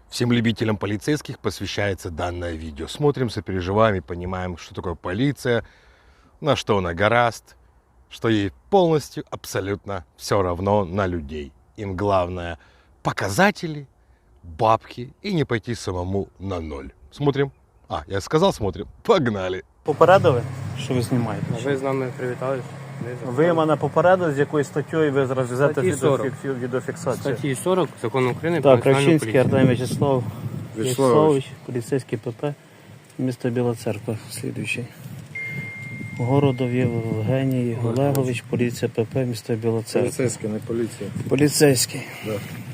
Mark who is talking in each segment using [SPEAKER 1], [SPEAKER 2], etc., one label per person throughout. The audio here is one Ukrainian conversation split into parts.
[SPEAKER 1] Всем любителям полицейских посвящается данное видео. Смотрим, сопереживаем и понимаем, что такое полиция, на что она гораст, что ей полностью, абсолютно все равно на людей. Им главное показатели, бабки и не пойти самому на ноль. Смотрим. Я сказал, смотрим. Погнали.
[SPEAKER 2] Попередили, що ви знімаєте?
[SPEAKER 3] Ви з нами привітались?
[SPEAKER 2] Ви мене попередили, з якою статтею ви зараз везете
[SPEAKER 3] Статті 40.
[SPEAKER 2] відеофіксацію.
[SPEAKER 3] Статті 40 Закону України про
[SPEAKER 2] Так,
[SPEAKER 3] національну
[SPEAKER 2] Кравчинський
[SPEAKER 3] поліцію.
[SPEAKER 2] Артем Вячеславович, поліцейський ПП, місто Біла Церква, слідуючий. Городов Євгеній Олегович, поліція ПП, місто Біла Церква.
[SPEAKER 4] Поліцейський, не поліція.
[SPEAKER 2] Поліцейський.
[SPEAKER 4] Да.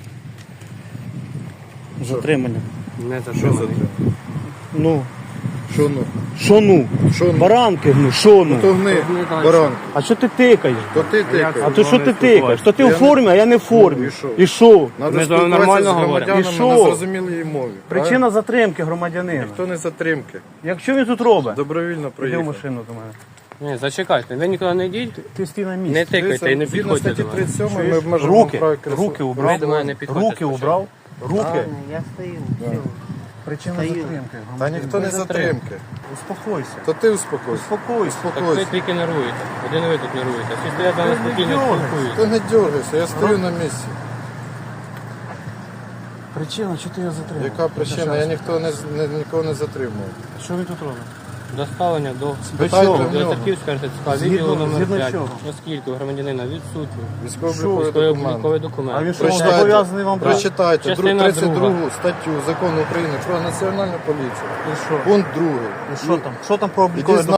[SPEAKER 2] Затримання.
[SPEAKER 3] Не
[SPEAKER 4] Що за
[SPEAKER 3] затриманий.
[SPEAKER 4] те?
[SPEAKER 2] Ну,
[SPEAKER 4] Що ну?
[SPEAKER 2] що ну?
[SPEAKER 4] Що ну?
[SPEAKER 2] Баранки, ну, що ну?
[SPEAKER 4] То гни,
[SPEAKER 3] Гни дальше.
[SPEAKER 4] баранки.
[SPEAKER 2] А що ти тикаєш?
[SPEAKER 4] То ти
[SPEAKER 2] А
[SPEAKER 4] тикаєш.
[SPEAKER 2] то що ти тикаєш? То ти
[SPEAKER 4] Я
[SPEAKER 2] в
[SPEAKER 4] не-
[SPEAKER 2] формі, а я не в формі.
[SPEAKER 4] І що?
[SPEAKER 2] І що?
[SPEAKER 4] Надо
[SPEAKER 3] Ми з вами
[SPEAKER 4] спілкуватися
[SPEAKER 3] нормально
[SPEAKER 4] з
[SPEAKER 3] говоримо.
[SPEAKER 4] громадянами
[SPEAKER 2] І що?
[SPEAKER 4] на зрозумілій мові.
[SPEAKER 2] Причина затримки громадянина.
[SPEAKER 4] Хто не затримки?
[SPEAKER 2] Якщо він тут робить,
[SPEAKER 4] Добровільно
[SPEAKER 2] іди в
[SPEAKER 4] проїхав.
[SPEAKER 2] машину до мене.
[SPEAKER 3] Ні, зачекайте, ви нікуди не йдіть,
[SPEAKER 2] Ти стій на
[SPEAKER 3] не
[SPEAKER 2] місці.
[SPEAKER 3] тикайте і не
[SPEAKER 4] Згідно
[SPEAKER 3] підходьте
[SPEAKER 4] статті
[SPEAKER 3] до мене.
[SPEAKER 4] 37 ми обмежуємо
[SPEAKER 2] Руки,
[SPEAKER 4] право
[SPEAKER 2] руки
[SPEAKER 3] Ви
[SPEAKER 2] убрав.
[SPEAKER 3] до мене не підходьте
[SPEAKER 2] Руки
[SPEAKER 3] спочатку.
[SPEAKER 2] убрав. Руки.
[SPEAKER 5] Я стою, все.
[SPEAKER 2] Причина
[SPEAKER 5] Стою.
[SPEAKER 2] затримки.
[SPEAKER 4] Та ніхто не затримки.
[SPEAKER 2] Успокойся.
[SPEAKER 4] То ти успокойся.
[SPEAKER 2] Успокойся.
[SPEAKER 3] Так ви
[SPEAKER 4] Успокойся.
[SPEAKER 3] тільки нервуєте. Один ви тут нервуєте. Всі стоять за нас спокійно
[SPEAKER 2] дергайся.
[SPEAKER 3] спілкуються.
[SPEAKER 4] Ти не дергайся, я стою на місці.
[SPEAKER 2] Причина, що ти його затримав?
[SPEAKER 4] Яка причина? Я нікого не затримував.
[SPEAKER 2] Що він тут робить?
[SPEAKER 3] Доставлення до
[SPEAKER 4] Питайте
[SPEAKER 2] чого?
[SPEAKER 4] в нього.
[SPEAKER 3] Тарківського РТЦК,
[SPEAKER 2] Згідно-
[SPEAKER 3] відділу номер
[SPEAKER 2] згідно
[SPEAKER 3] 5,
[SPEAKER 2] чого?
[SPEAKER 3] оскільки у громадянина відсутні
[SPEAKER 4] Військово-обліковий документ.
[SPEAKER 3] військовий документ.
[SPEAKER 2] А він що,
[SPEAKER 4] Прочитайте,
[SPEAKER 2] зобов'язаний вам брати?
[SPEAKER 4] прочитайте
[SPEAKER 3] Частина
[SPEAKER 4] 32 статтю Закону України про національну поліцію.
[SPEAKER 2] І що?
[SPEAKER 4] Пункт 2.
[SPEAKER 2] І що там? Що там про обліковий
[SPEAKER 4] Іди